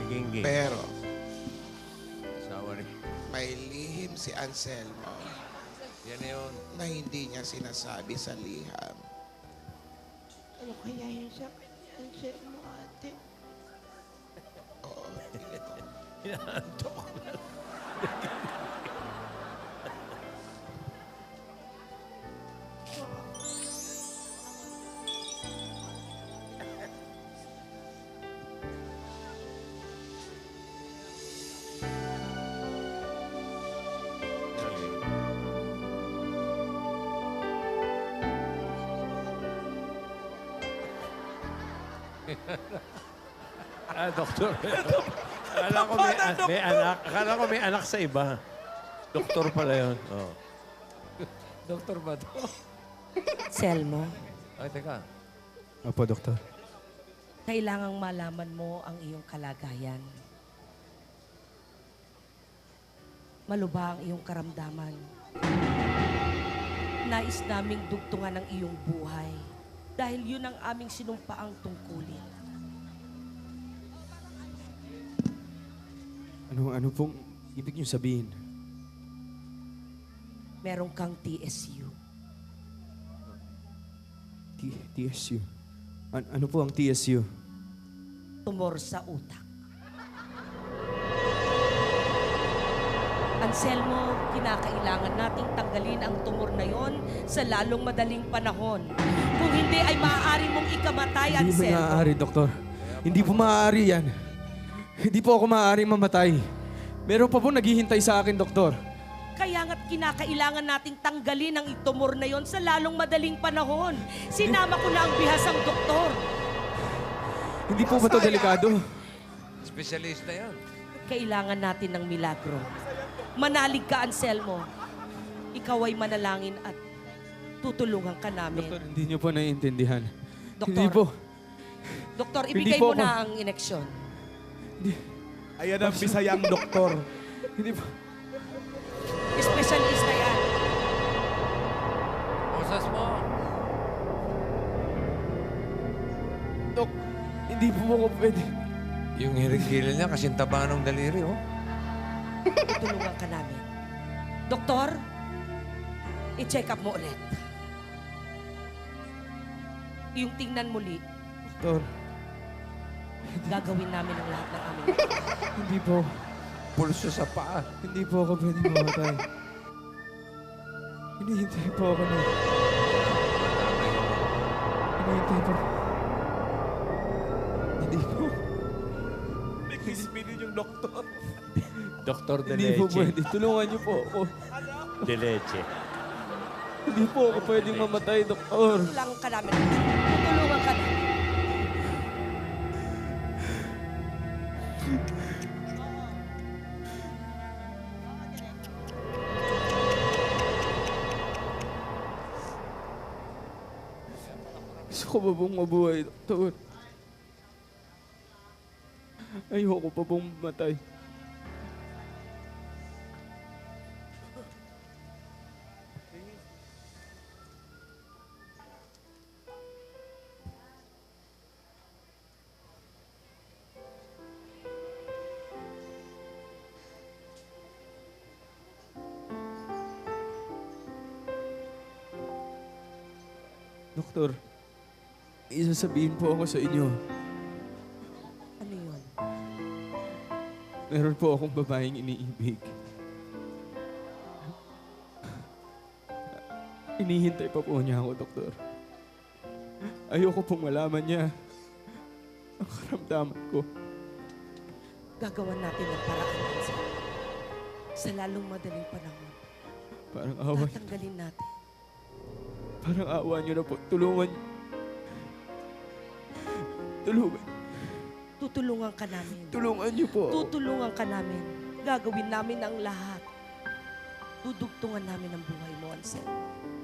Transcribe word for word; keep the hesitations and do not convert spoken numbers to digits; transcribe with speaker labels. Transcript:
Speaker 1: Gingging.
Speaker 2: Pero,
Speaker 1: Asawa ni...
Speaker 2: may lihim si Anselmo
Speaker 1: Yan na yun.
Speaker 2: na hindi niya sinasabi sa liham.
Speaker 3: Ano kaya yung sakit ni Anselmo, ate?
Speaker 2: Oo.
Speaker 1: Inaantok ko na. Ah, doktor. Akala ko may, an- may anak. Akala ko may anak sa iba. Doktor pala yun. Oh. Doktor ba to?
Speaker 4: Selmo,
Speaker 1: Ay, teka.
Speaker 5: Opo, doktor.
Speaker 4: kailangang malaman mo ang iyong kalagayan. Malubha ang iyong karamdaman. Nais naming dugtungan ang iyong buhay dahil yun ang aming sinumpaang tungkulin.
Speaker 5: Ano, ano pong ibig niyo sabihin?
Speaker 4: Meron kang T S U.
Speaker 5: T TSU. An- ano po ang T S U?
Speaker 4: Tumor sa utak. Anselmo, kinakailangan nating tanggalin ang tumor na yon sa lalong madaling panahon. Kung hindi ay maaari mong ikamatay,
Speaker 5: Hindi po
Speaker 4: Anselmo.
Speaker 5: maaari, doktor. Hindi po maaari yan. Hindi po ako maaaring mamatay. Meron pa po naghihintay sa akin, doktor.
Speaker 4: Kaya nga't kinakailangan nating tanggalin ang tumor na yon sa lalong madaling panahon. Sinama ko na ang bihasang doktor.
Speaker 5: Hindi po ba ito delikado?
Speaker 1: Specialista yan.
Speaker 4: Kailangan natin ng milagro. Manalig ka, Anselmo. Ikaw ay manalangin at tutulungan ka namin.
Speaker 5: Doktor, hindi niyo po naiintindihan.
Speaker 4: Doktor.
Speaker 5: Hindi po.
Speaker 4: Doktor,
Speaker 5: Hindi
Speaker 4: ibigay
Speaker 5: po
Speaker 4: mo
Speaker 5: ako-
Speaker 4: na ang ineksyon.
Speaker 6: Ayan ang bisayang doktor.
Speaker 5: Hindi po.
Speaker 4: Espesyalista yan.
Speaker 1: Boses mo.
Speaker 5: Dok, hindi po ako pwede.
Speaker 1: Yung hirigilin niya, kasing taba ng daliri, oh.
Speaker 4: Tutulungan ka namin. Doktor, i-check up mo ulit. Yung tingnan muli,
Speaker 5: Doktor,
Speaker 4: gagawin namin ang lahat ng aming.
Speaker 5: hindi po.
Speaker 1: Pulso sa paa.
Speaker 5: Hindi po ako pwede mamatay. Hinihintay po ako na. Hinihintay po. Hindi po.
Speaker 6: Nag-spinin yung doktor.
Speaker 1: Doktor de
Speaker 5: Hindi po
Speaker 1: Leche.
Speaker 5: pwede. Tulungan niyo po ako.
Speaker 1: De Leche.
Speaker 5: Hindi po ako pwedeng mamatay, doktor.
Speaker 4: Tutulungan ka namin. Tutulungan ka namin.
Speaker 5: Gusto ko pa pong mabuhay, doktor. Ayoko pa pong mamatay. Doktor, may isasabihin po ako sa inyo.
Speaker 4: Ano yun?
Speaker 5: Meron po akong babaeng iniibig. Inihintay pa po niya ako, doktor. Ayoko pong malaman niya ang karamdaman ko.
Speaker 4: Gagawan natin ng paraan, Anselmo. Sa lalong madaling panahon,
Speaker 5: Parang awa,
Speaker 4: tatanggalin natin.
Speaker 5: parang awa niyo na po. Tulungan. Tulungan.
Speaker 4: Tutulungan ka namin.
Speaker 5: Tulungan niyo po ako.
Speaker 4: Tutulungan ka namin. Gagawin namin ang lahat. Dudugtungan namin ang buhay mo, Anselmo.